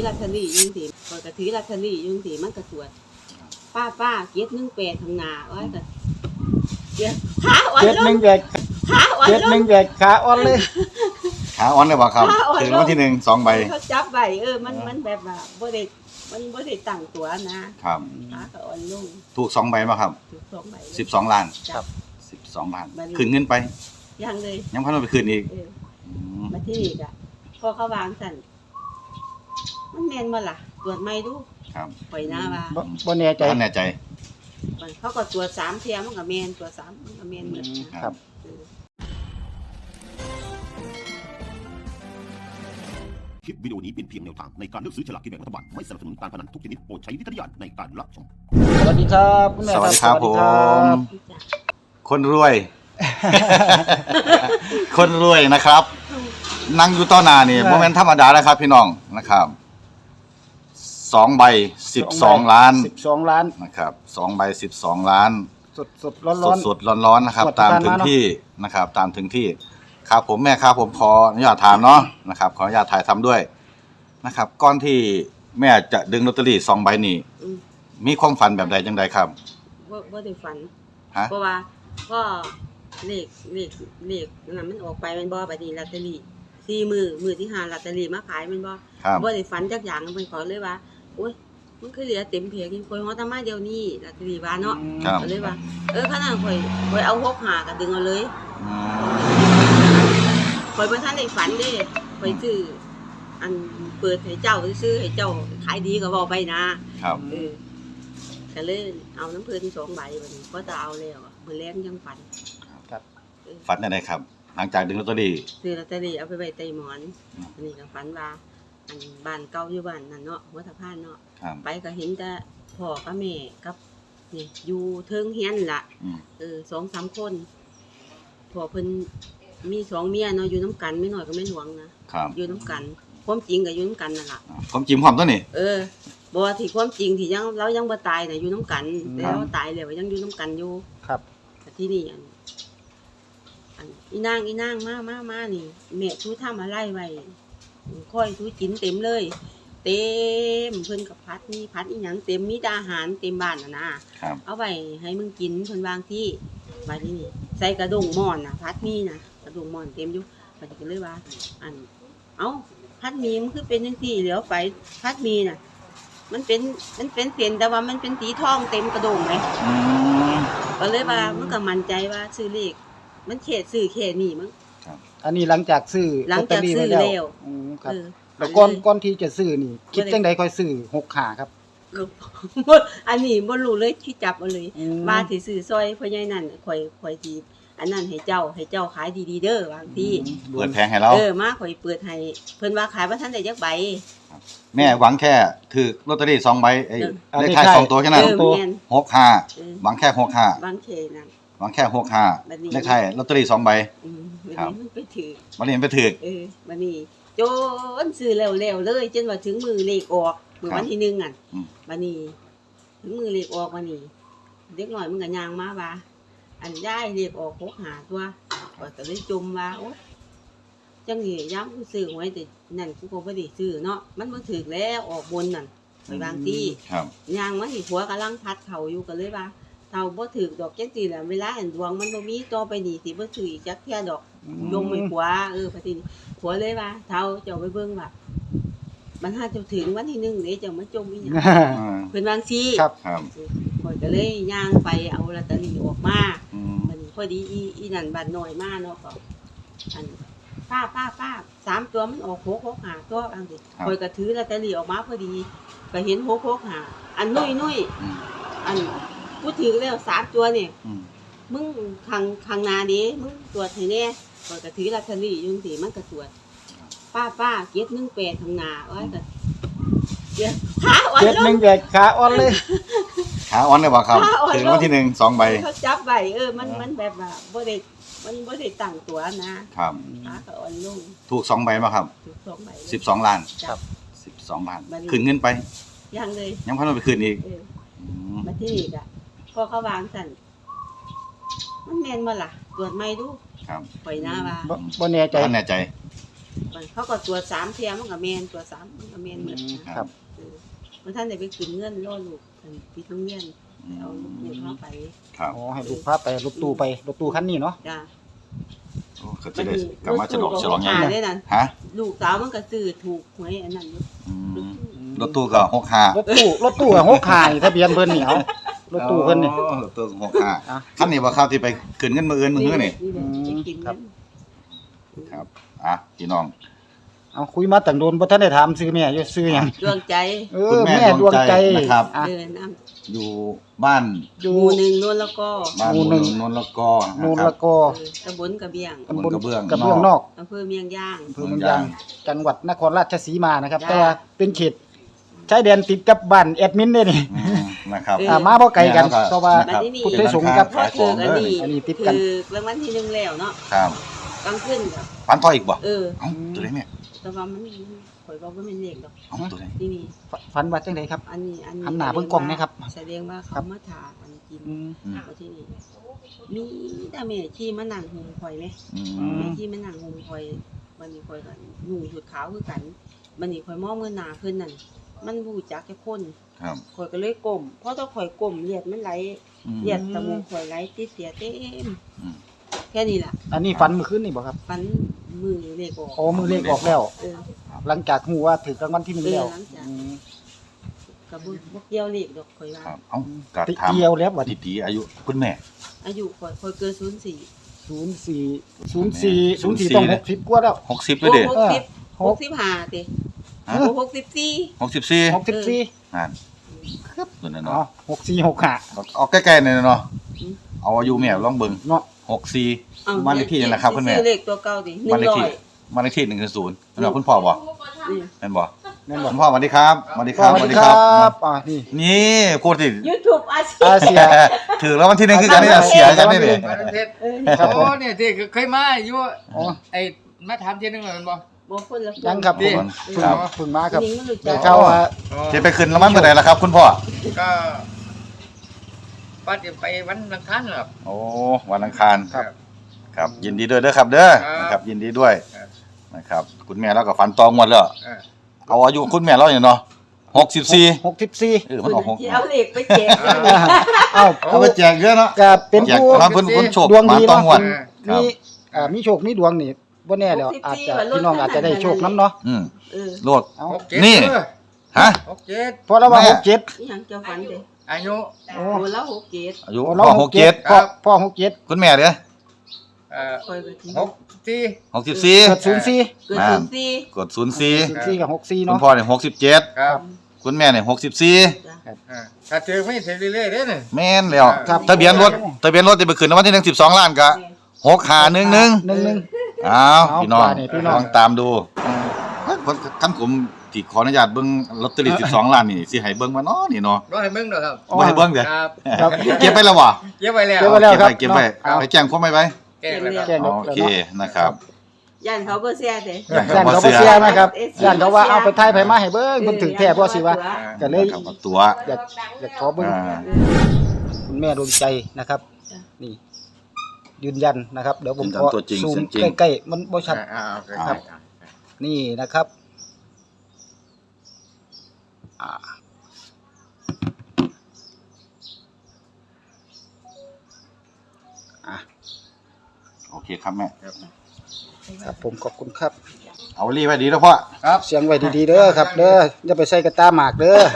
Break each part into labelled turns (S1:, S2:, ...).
S1: ลอตเตอรี่ยุ่งสิข่อยก็ถือลอตเตอรี่ยุ่งสิมันก็ตรวจป้าเก็บ18ข้างหน้าอ้อยก็เดี๋ยวขาอ่อน
S2: เจ็ด
S1: ล
S2: หนึ่
S1: ง
S2: งแยก
S1: ขาอ่อน
S2: เจ็ด
S1: ล
S2: หนึ่
S1: ง
S2: งแยกขาอ่อนเลย
S3: ขาอ่อนเลยบ่ครับ
S1: ขาอ่อน
S3: ถึง
S1: ลง
S3: วันที่1 2 ใบ
S1: เขาจับไว้มันแบบว่าบ่ได้ตั้งตัวนะครับ ขาก็อ่อนลง
S3: ถูก2 ใบบ่ครับ
S1: ถูก2ใบ
S3: 12 ล้าน
S1: ครับ
S3: 12 ล้าน
S1: บัดนี้
S3: คืนเงินไป
S1: ยังเลย
S3: ยังพันเอาไปคืนอีก ม
S1: มาที่นี่ก็พอเขาวางสั่นมันแม่นบ่ล่ะตรวจไม่ดู
S3: ครับ
S1: ปล่อยหน้าว่า
S2: บ่แน่ใจ
S3: ท่านแน่ใจ
S1: เขาก็ตรวจ3เที่ยมันก็แม่นตรวจ3มันก็แม่นหมดนะครับ เออ
S4: คลิปวิดีโอนี้เป็นเพียงแนวทางในการเลือกซื้อฉลากกินแบ่งรัฐบาลไม่สนับสนุนการพนันทุกชนิดโปรดใช้วิจารณญาณในการรับชม
S2: สวัสดีครับคุณแม่
S3: สวัสดีครับ
S2: สวัสดีครับ
S1: จ้ะ
S3: คนรวย คนรวยนะครับ นั่งอยู่ต่อหน้านี่โมเมนต์ธรรมดาแล้วครับ พี่น้องนะครับ2 ใบ 12 ล้าน
S2: 12 ล้าน
S3: นะครับ2 ใบ 12 ล้าน
S2: สดร้อน
S3: สดๆร้อนๆนะครับ
S2: ตรวจ
S3: ตาม
S2: การ
S3: ถึง
S2: มาเนอะ
S3: ที่นะครับ ตามถึงที่ครับผมแม่ครับผมขออนุญาตถามเนาะนะครับ ขออนุญาตถ่ายทำด้วยนะครับก่อนที่แม่จะดึงลอตเตอรี่2 ใบนี้
S1: อืม
S3: มีความฝันแบบใดจังใดครับ
S1: บ่ได้ฝัน
S3: ฮะ
S1: เพราะว่าก็เลขนั้นมันออกไปแมันบ่บัดนี้ลอตเตอรี่มือที่5ลอตเตอรี่มาขายแมันบ่
S3: ครับ
S1: บ่ได้ฝันจักอย่างมันขอเลยว่าโอ๊ยมันคือเหลือเต็มเพจกินข่อยฮอดตามาเดี๋ยวนี้ลอตเตอรี่ว่าเนาะ
S3: ครับ
S1: ก็เลยว่าขนาดข่อยเอา65ก็ดึงเอาเลย
S3: อืม
S1: ข่อยบ่ทันได้ฝันเด้ข่อยซื้ออันเปิดให้เจ้าซื้อให้เจ้าขายดีก็เว้าไปนะครับ ก็เลยเอาน้ำเพิ่น2ใบบัดนี้ก็จะเอาแล้วมื้อแลงยังฝัน
S3: ฝันจังไดครับ หลังจากดึงลอตเตอรี่
S1: ซื้อลอตเตอรี่เอาไปไว้ใต้หมอน
S3: อืม
S1: อันนี้ก็ฝันว่าอันบ้านเก่าอยู่บ้านนั่นเนาะหัวสะพานเนาะ
S3: ครับ
S1: ไปก็เห็นแต่พ่อกับแม่กับนี่อยู่เทิงเฮียนล่ะ
S3: อืม
S1: 2-3 คนพ่อเพิ่นมี2เมียเนาะอยู่น้ำกันไม่น้อยก็ไม่หลวงนะครับ อยู่น้ำกันความจริงก็อยู่น้ำกันนั่นล่ะ
S3: ผมจิ้มความตัวนี้
S1: บ่ว่าที่ความจริงที่ยังเรายังบ่ตายน่ะอยู่น้ำกัน
S2: อืม
S1: แต่เราตายแล้วยังอยู่น้ำกันอยู่
S2: ครับ
S1: แต่ที่นี่อันอีนางมานี่แม่ทูทำอะไรไว้ค่อยทูกินเต็มเลย เต็มเพิ่นกับพัดมีพัดอีหยังเต็มมีแต่อาหารเต็มบ้านน่ะนะครับ เอาไว้ให้มึงกินเพิ่นวางที่บัดนี้นี่ใส่กระดงหม้อนน่ะพัดมีน่ะกระดงหม้อนเต็มอยู่บัดนี้ก็เลยว่า อันเอ้าพัดมีมันคือเป็นจังซี่เหลียวไปพัดมีน่ะ มันเป็นเส้นแต่ว่ามันเป็นสีทองเต็มกระดงเลย
S3: อืม
S1: ก็เลยว่ามันก็มั่นใจว่าซื้อเลขมันเขตซื้อเขตนี่มั้ง
S2: อันนี้หลังจากซื้อ
S1: หลังจากซื้อ
S2: ลอตเตอรี่ไว้
S1: แล้ว
S2: อืมครับ
S1: เออ
S2: แล้วก่อนที่จะซื้อนี่ คิดจังใดค่อยซื้อ65ครับ
S1: อันนี้บ่รู้เลยที่จับเอาเลย
S2: อืม
S1: ว่าสิซื้อซอยพ่อใหญ่นั่นข่อยสิอันนั้นให้เจ้าขายดีๆเด้อบางที
S3: เปิดแผงให้เรา
S1: มาข่อยเปิดให้เพิ่นว่าขายบ่ทันได้จักใบ
S3: แม่หวังแค่ถือลอตเตอรี่2 ใบไอ้
S2: เออ
S3: เลขท้าย2 ตัวแค่นั้น
S1: แม่น
S3: 65
S1: เออ
S3: หวังแค่65
S1: บางเขตนั่น
S3: หวังแค่
S1: แบบนี้
S3: 65เลขท้ายลอตเตอรี่2 ใบ
S1: อืมบัด
S3: ครับ
S1: นี้มันไปถือ
S3: วันนี้ไปถือ
S1: บัดนี้จนซื้อแล้วเลยจนว่าถึงมือเลขออกมื้อวันที่1อ่ะ
S3: อืม
S1: บัดนี้ถึงมือเลขออกบัดนี้เด็กน้อยมันก็ย่างมาว่า อันยายเลขออก65ตัวก็เลยจมว่าโอ๊ยจังนี่ย้ำกูซื้อไว้แต่นั่นกูก็บ่ได้ซื้อเนาะมันบ่ถูกแล้วออกบนนั่นไปบางที่
S3: ครับ
S1: ย่างมาสิผัวกำลังพัดเขาอยู่ก็เลยว่าเท่าบ่ถูกดอกจังซี่แหละเวลาอันดวงมันบ่มีต่อไปนี่สิบ่ซื้ออีกจักเที่ยดอก ยงไม่ผัวพอทีนี้ผัวเลยว่าเท่าเจ้าไปเบิ่งว่ามันหาเจ้าถึงวันที่1เด้เจ้ามาจมอีหยัง
S3: อืม
S1: เพิ่นวาจั่งซี่
S2: ครับ
S3: ครับ
S1: ข่อยก็เลยย่างไปเอาลอตเตอรี่ออกมา
S3: อืม
S1: มันพอดีอีนั่นบ้านน้อยมาเนาะก็อันป้า3ตัวมันออก665ตัวอันนี้ข่อยก็ถือลอตเตอรี่ออกมาพอดีก็เห็น665อันนุ่ย
S3: อืม
S1: อันกูถือแล้ว3ตัวนี่
S3: อืม
S1: มึงข้างหน้าดิมึงตรวจให้แน่ข่อยก็ถือลอตเตอรี่อยู่จังซี่มันก็ตรวจป้าเก็บ18ข้างหน้าอ้อยก็เดี๋ยวขาอ่อน
S2: เจ็ด
S1: ล
S2: หนึ่
S1: ง
S2: งแยกขาอ่อนเลย
S3: ขาอ่อนเลยบ่ครับ
S1: ขาอ่อน
S3: ถึงวันที่1 2 ใบ
S1: เขาจับไว้มันแบบว่าบ่ได้ตั้งตัวนะครับ ขาก็อ่อนลง
S3: ถูก2 ใบบ่ครับ
S1: ถูก2ใบ
S3: 12 ล้าน
S1: ครับ
S3: 12 ล้าน
S1: บัดนี้
S3: คืนเงินไป
S1: ยังเลย
S3: ยังพันเอาไปคืนอีก
S1: เออ
S3: อืม
S1: มาที่นี่ก็พอเขาวางสั่นมันแม่นบ่ล่ะตรวจไม่ดู
S3: ครับ
S1: ปล่อยหน้าว่า
S2: บ่แน่ใจ
S3: ท่านแน่ใจ
S1: มันเขาก็ตรวจ3เที่ยมันก็แม่นตรวจ3มันก็แม่นหมดนะครับ มันท่านได้ไปขึ้นเงินรอลูกอันปิดโรงเรียนเอาลูกเข้าไป
S3: ครับ
S2: อ๋อให้ลูกพาไปรถตู้ไปรถตู้คันนี้เนาะ
S1: จ้ะ
S3: โอ้ก็จะได้กลับมาฉลองไง
S1: ได้นั่น
S3: ฮะ
S1: ลูกสาวมันก็ซื้อถูกหวยอันนั้นอยู่
S3: อืมรถตู้ก็65
S2: รถตู้อะ65นี่ทะเบียนเพิ่นนี่เอารถตู้เพิ่นนี่
S3: อ๋อรถตู้
S2: อ่ะ
S3: 65คันนี้บ่ครับที่ไปขึ้นเงินมื้ออื่นมื้อนี่
S1: ไปกิน
S2: ครั
S1: กับ น
S3: ครับพี่น้อง
S2: เอาคุยมาตั้งโดนบ่ทันได้ถามชื่อแม่อยู่ชื่อหยัง
S1: ดวงใจ
S3: คุณแม่
S2: ดวงใจ
S3: ดวงใจนะครับ
S2: อ่ะ
S1: น้ำ
S3: อยู่บ้าน
S2: อยู่
S1: หมู่หนึ่งโน่นแล้วก็
S3: บ้าน
S2: หมู่หนึ่ง
S3: นนท์แล้วก็
S2: นู
S3: นะ
S2: น
S3: ครั
S2: ละ
S3: บ
S2: กอ
S1: ตำบลกระเบียง
S3: ตำบลกระเบื้อง
S2: กระเบื้องนอก
S1: อำเภอเมียงย่าง
S2: อำเภอเมืองยางจังหวัดนครราชสีมานะครับ
S1: จ้า
S2: แต่ว่าเป็นเขตชายแดนติดกับบ้านแอดมินเด้นี่
S3: อืมนะครับ
S2: มาบ่ไกลกัน
S3: แม่แล้วก็
S2: เพราะว่า
S3: นะครับ
S2: พุทธสงฆ์กับ
S1: พ่อถืออันนี้
S2: อันนี้ติดกัน
S1: คือรางวัลที่1แล้วเนาะ
S3: ครับ
S1: กลางคืนกับ
S3: ฟันต่ออีกบ่
S1: เออ
S3: เอ้าตัวไหนแม่
S1: แต่ว่ามันข่อยบอกว่ามันเลขดอก
S3: เอ้าตัวไหน
S1: นี่
S2: ฝันว่าจังไดครับ
S1: อันนี้
S2: หันหน้าเบิ่งกล้องนะครับ
S1: แสดงว่า
S2: ครั
S1: เขา
S2: บ
S1: มาถากอันกิน
S2: อืม
S1: ว่าที่นี่มีแต่แม่ที่มานั่งหุมข่อยไหม
S3: อื
S2: อื
S3: ม
S1: แม่ที่มานั่งหุมข่อยวันนี้ข่อยกันหนุ่งชุดขาวคือกันวันนี้ข่อยมองเงินหน้าเพิ่นนั่นมันบ่รู้จักจักคน
S3: ครับ
S1: ข่อยก็เลยก้มเพราะถ้าข่อยก้มเลือดมันไหล
S3: อืม
S1: เลือดตะมูกข่อยไหลติดเสียเต็ม
S3: อืม
S1: แค่นี้ล่ะ
S2: อันนี้ฝันเมื่อคืนนี่บ่ครับ
S1: ฟันมือเลขออก
S2: โอ้มือเลขออกแล้ว
S1: เออ
S2: หลังจากฮู้ว่าถูกรางวัลที่1แล้ว
S1: หลังจาก
S2: อืม
S1: กับบ่เกี่ยวเลขดอกข่อยว่า
S3: ครับเอ้ากะ
S2: ติ
S3: ถาม
S2: เดียวแล้วบัด
S3: ติ
S2: นี้
S3: ตีอายุคุณแม่
S1: อายุข่อยเกิน04
S2: 04ต้อง60กว่าแล้ว
S3: 60เลยเด้
S1: โอ้
S2: หก
S1: 65ติ
S3: ฮะ
S1: โอ้64
S3: 64
S2: 64
S3: นั่นครับตัวนั้น
S2: อ๋อ
S3: เนาะ
S2: 6465
S3: เอาใกล้ๆหน่อยเนาะ
S1: อืม
S3: เอาอายุแม่ลองเบิ่ง
S2: เนาะ
S3: 64
S1: อ้าว
S3: บ้านเลขที่นั่นแหละครับคุณแม่
S1: ซื้อเลขตัวเก่าดิ
S3: บ้านเลขที่
S1: 100
S3: บ้านเลขที่110นั่นเนาะคุณพ่อบ่
S1: นี่
S3: แม่นบ่
S2: แม่นบ่
S3: คุณพ่อสวัสดีครับสวัสดีครับ
S2: สวัสดีครับนี่
S3: นี่พูดสิ
S1: YouTube อาชี
S2: อา
S1: พ
S2: เซีย
S3: ถือแล้ววันที่หนึ่งคือกันนี่นะเสียกันนี่เลย
S5: บ้านเพชร
S1: เออ
S2: ครับผม
S5: โอ้เนี่ยที่เคยมาอยู่
S2: อ๋อ
S5: ไอ้มาถามทีนึงเลยมันบ่
S1: บ่คนละ
S2: ยังครับ
S5: ดี
S2: ผม
S3: ครับ
S2: เพิ่งมาครับ
S1: นี่มันรู้จั
S2: ได้
S1: ก
S2: เข้าว่า
S5: อ๋อ
S3: จะไปขึ้นรางวัลเมื่อไหร่ล่ะครับ คุณพ่อ
S5: ก็ป้าจะไปวันอังคารเหรอครับ
S3: โอ้วันอังคาร
S2: ครับ
S3: ครับยินดีด้วยเด้อครับเด้อ
S5: ครับ
S3: นะครับยินดีด้วย
S5: ครับ
S3: นะครับคุณแม่เราก็ฝันตองหมดแล้ว
S5: เออ
S3: เอาอายุคุณแม่เราอย่างเนาะ64
S2: 64
S3: มันออก
S1: ที่เอาเลขไปแจก
S2: เอ้า
S3: เอาไปแจกเยอะเนาะ
S2: ก็เป็น
S3: แจก
S2: ผู้
S3: ครับเพิ่นโชค
S2: ดวงดี
S3: มาต้อง
S2: เนาะ
S3: หวด ครั
S2: มี
S3: บ
S2: มีโชคมีดวงนี่บ่แน่แล้วอาจจะพี่น้องอาจจะได้โชคนํเนาะ
S3: อืม
S1: เออ
S3: โลด
S2: เอา
S5: 67
S3: นี่
S5: เออ
S3: ฮะ
S5: 67
S2: เพราะเราว่า
S3: แม่
S2: 67
S1: นี่หยังเจ้าฝันเด้
S5: อายุ
S2: โอ้
S1: โอ้แล้ว67
S3: อายุ
S2: โอ้
S3: พ่
S2: เรา
S3: อ
S2: 67พ่อ67
S3: คุณแม่เด้อ
S1: ข่อยก็สิ
S5: 64
S2: เกิด
S3: 64
S1: เกิด
S3: อ่า
S1: 04
S3: กด04
S2: 04กับ64
S3: คุ
S2: เนาะ
S3: ณพ่อเนี่ย67
S5: ครับ
S3: คุณแม่เนี่ย64
S1: จ้ะ
S5: ถ้าถือไม่ถือเรื่อยๆเด้อนี่
S3: แม่นแล้ว
S2: ครับ
S3: ทะเบียนรถจะไปขึ้นรางวัลที่1 12ล้านกะ6511
S2: 11
S3: อ้าวพี่น้อง
S2: เอาไปนี่พี่น้อง
S3: ลองตามดูคันผมที่ขออนุญาตเบิ่งลอตเตอรี่12ล้านนี่สิให้เบิ่งว่าเนาะนี่เนาะ
S5: บ่ให้มึงดอกครับ
S3: บ่ให้เบิ่งเด้อ
S5: ครับ
S2: ครับ
S3: เก็บไปแล้วบ่
S5: เก็บไว้แล้ว
S2: เก็บไว้แล้ว
S3: เก็บไว้
S2: เอา
S3: ไปแจ้งความไว้ไว้
S5: แก้แล้วครับ
S2: แจ้ง
S3: โอเคนะครับ
S1: ย่านเขาบ่เสียเด้
S2: ย่านเขาบ่เสียนะครับย่านเขาว่าเอาไปถ่ายไผมาให้เบิ่งเพิ่นถึงแท้บ่สิว่าก็เลย
S3: นะครับเอาตัว
S2: อยากขอเบิ่ง
S3: อ่า
S2: คุณแม่ดวงใจนะครับ นี่ ยืนยันนะครับ เดี๋ยวผม
S3: ยืนยัน
S2: ขอ
S3: ตัวจริง
S2: ซูม
S3: เสียงจริง
S2: ใกล้ๆมันบ่ชัด
S5: โอเค
S2: ครับ นี่นะครับอ่า
S3: โอเคครับแม่
S2: ครับผมขอบคุณครับ
S3: เอารีไว้ดีแล้วพ่อ
S5: ครับ
S2: เสียงไว้ดีๆเด้อครับเด้ออย่าไปใส่กระตาหมากเด้อ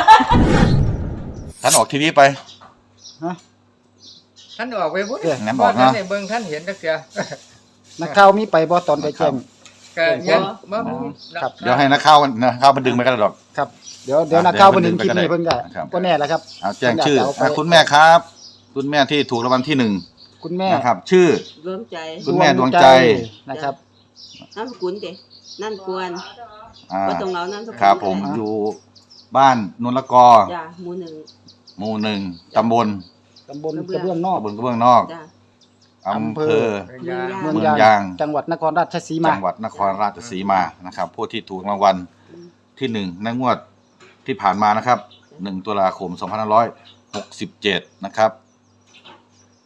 S3: ท่านออกทีวีไป
S2: ฮะ
S5: ท่านออกไปพุ่น
S3: งั้นบอกนะ
S5: ท่านได้เบิ่งท่านเห็นจักเทื่อ
S2: นักข่าวมีไปบ่ตอนไปแจ้ง
S5: ก็ยังบ่มี
S2: ครับ
S3: เดี๋ยวให้นักข่าวมันดึงไปกันดอก
S2: ครับ เดี๋ยวนักข่าวเพิ่นเห็นคลิปนี้เพิ่นก็
S3: ครับ
S2: บ่แน่แล้วครับ
S3: เอาแจ้งชื่อ
S2: เพิ่นอยากจะเอาไป
S3: คุณแม่ครับ คุณแม่ที่ถูกรางวัลที่1
S2: คุณแม่
S3: นะครับ ชื่อ
S1: รวมใจ
S3: คุณแม่ดวงใจ
S2: นะครับ
S1: นามสกุลเด้นั่นกวน
S3: อ่า
S1: บ่ต้องเอานามสกุล
S3: ครับผม
S1: ก็ได้
S3: อยู่บ้านนนละกอ
S1: จ้ะหมู่หนึ่ง
S3: หมู่ 1ตำบล
S2: ตำบลกระเบื้องนอก
S3: ตำบลกระเบื้องนอก
S1: จ้ะ
S3: อำเภอ
S1: เมือง
S2: เมือง
S3: เมือง
S2: ยาย
S3: าง ง
S2: จังหวัดนครราชสีมา
S3: จังหวัดนครราชสีมานะครับ ผู้ที่ถูกรางวัลที่1ในงวดที่ผ่านมานะครับ1ตุลาคม2567นะครับ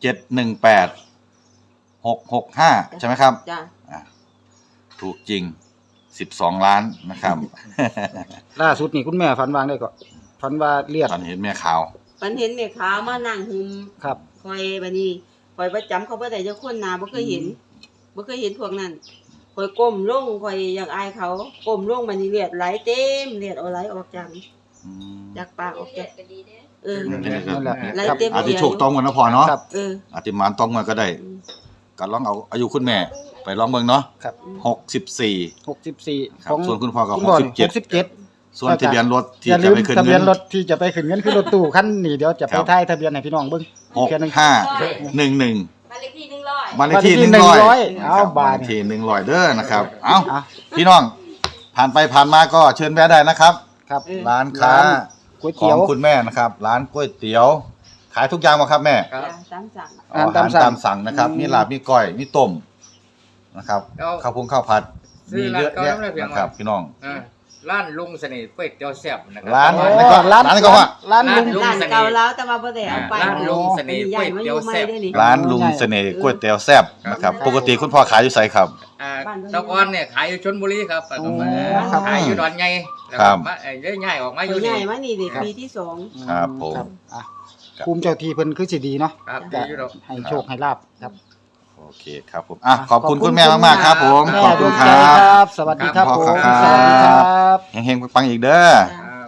S3: 718 665ใช่ไหมครับ
S1: จ้ะ
S3: ถูกจริง 12 ล้านนะครับ
S2: ล่าสุดนี่คุณแม่ฝันวางได้ก็ฝันว่าเลียด
S3: ตอนเห็นแม่ขาว
S1: ฝันเห็นแม่ขาวมานั่งหุม
S2: ครับ
S1: คอยบัดนี้คอยประจำเขาบ่ได้จักคนหน้าบ่เคยเห็นบ่เคยเห็นพวกนั้นคอยก้มลงคอยอยากอายเขาก้มลงบัดนี้เลือดไหลเต็มเลือดเอาไหลออกจากปากออกจาก
S2: นั่นแหละ
S1: ไหล
S2: ครับ
S1: เต็ม
S3: อาจจะ
S1: เดียว
S3: โชคต้องกันนะพอเนาะ
S2: ครับ
S3: อาจจะหมานต้องกันก็ได้
S1: อืม
S3: ก็ลองเอาอายุคุณแม่ ไปลองเบิ่งเนาะ
S2: ครับ
S3: 64
S2: 64
S3: ครับส่วนคุณพ่อก็
S2: คุณพ่อ
S3: 67ส่วนทะเบียนรถ
S2: อ
S3: ที่
S2: ย่าลื
S3: จะ
S2: ม
S3: ไปขึ้น
S2: ทะเบี
S3: เงิ
S2: ยน
S3: น
S2: รถที่จะไปขึ้นเงินคือรถตู้คันนี้เดี๋ยวจะไป
S3: ครับ
S2: ถ่ายทะเบียนให้พี่น้องเบิ่ง
S3: 6511
S1: บ้านเลขที่100
S3: บ้านเลขที่ 100
S2: เอาบาท
S3: เลขที่100เด้อนะครับ เอ้า
S2: อ่ะ
S3: พี่น้อง ผ่านไปผ่านมาก็เชิญแวะได้นะครับ
S2: ครับ
S3: ร้านค้า
S2: ก๋วย
S3: ขอ
S2: เตี๋ย
S3: ง
S2: ว
S3: คุณแม่นะครับ ร้านก๋วยเตี๋ยว ขายทุกอย่างมาครับแม่
S5: ครับ
S1: ตามสั่ง
S2: อาหารตามสั่ง
S3: ตามสั่งนะครับ มีลาบมีก้อยมีต้มนะครับ
S5: แล้ว
S3: ข้าวพุงข้าวผัด
S5: ซื้
S3: มี
S5: อ
S3: เยอะแยะ
S5: ร้านเก่าแล้วเพียง
S3: นะครับ พี่น้อง
S5: ร้านลุงเสน่ห์ก๋วยเตี๋ยวแซ่บนะครั
S3: ร้าน
S5: โอ้
S3: ไหนก็ ร้านก็ว่า
S2: ร้านลุง
S5: ลุง
S1: ร้าน
S5: เสน่ห์
S1: เก่าแล้วแต่ว่าบ่ได้เอาไป
S5: ร้านลุงเสน่ห์ก๋วยเตี๋ยวแซ่บ
S3: ร้านลุงเสน่ห์ก๋วยเตี๋ยวแซ่บนะครับ ปกติคุณพ่อขายอยู่ไสครับ
S5: ตะกอนเนี่ยขายอยู่ชลบุรีครับตะกอน
S2: ครับ
S5: ขายอยู่ดอนใหญ่แล้ว
S3: ครั
S5: ก็
S3: บ
S5: มาเยอะง่ายออกมาอ
S1: อยู่
S5: ยู่
S1: ให
S5: นี่
S1: ญ่มานี่เด็ก
S2: ครับ
S1: ปีที่สอง
S3: ครับผม
S2: อ่ะภูมิเจ้าที่เพิ่นคือสิดีเนาะ
S5: ครับ
S2: จะ
S5: ดีอยู่ดอก
S2: ให้โชคให้ลาบครับ
S3: โอเคครับผมอ่ะขอบคุณคุณแม่มากๆครับผม
S2: แม่
S3: ขอบ
S2: ด
S3: คุ
S2: ว
S3: ณ
S2: ง
S3: ค
S2: ใจ
S3: รั
S2: ครับ บ สวัสดีครับ
S3: ครับ
S2: ผม
S3: ครับ
S2: สวัสดีครับ
S3: เฮงๆปังๆอีกเด้อ
S5: ครับ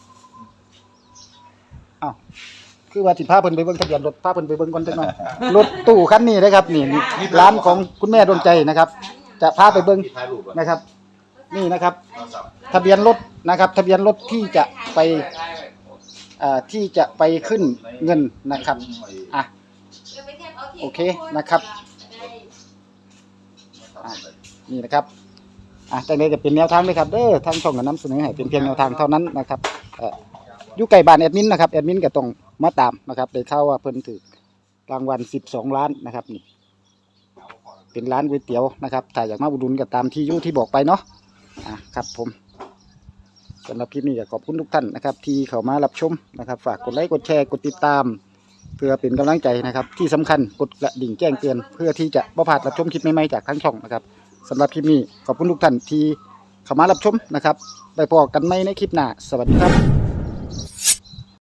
S2: อ้าวคือว่าสิพาเพิ่นไปเบิ่งทะเบียนรถพาเพิ่นไปเบิ่งก่อนจักหน่อยรถตู้คันนี้นะครับนี่ร้านของคุณแม่ดวงใจนะครับ จะพาไปเบิ่งนะครับ นี่นะครับ ทะเบียนรถนะครับ ทะเบียนรถที่จะไปขึ้นเงินนะครับอ่ะโอเคนะครับอ่ะนี่นะครับจังได๋จะเป็นแนวทางเลยครับเด้อทางช่องก็นำเสนอให้เป็นเพียงแนวทางเท่านั้นนะครับอยู่ใกล้บ้านแอดมินนะครับแอดมินก็ต้องมาตามนะครับได้ข่าวว่าเพิ่นถูกรางวัล12 ล้านนะครับนี่เป็นร้านก๋วยเตี๋ยวนะครับถ้าอยากมาอุดหนุนก็ตามที่อยู่ที่บอกไปเนาะครับผมสำหรับคลิปนี้ก็ขอบคุณทุกท่านนะครับที่เข้ามารับชมนะครับฝากกดไลค์กดแชร์กดติดตาม เพื่อเป็นกำลังใจนะครับที่สำคัญกดกระดิ่งแจ้งเตือนเพื่อที่จะบ่พลาดรับชมคลิปใหม่ๆจากทางช่องนะครับสำหรับคลิปนี้ขอบคุณทุกท่านที่เข้ามารับชมนะครับไปพบกันใหม่ในคลิปหน้าสวัสดีครับ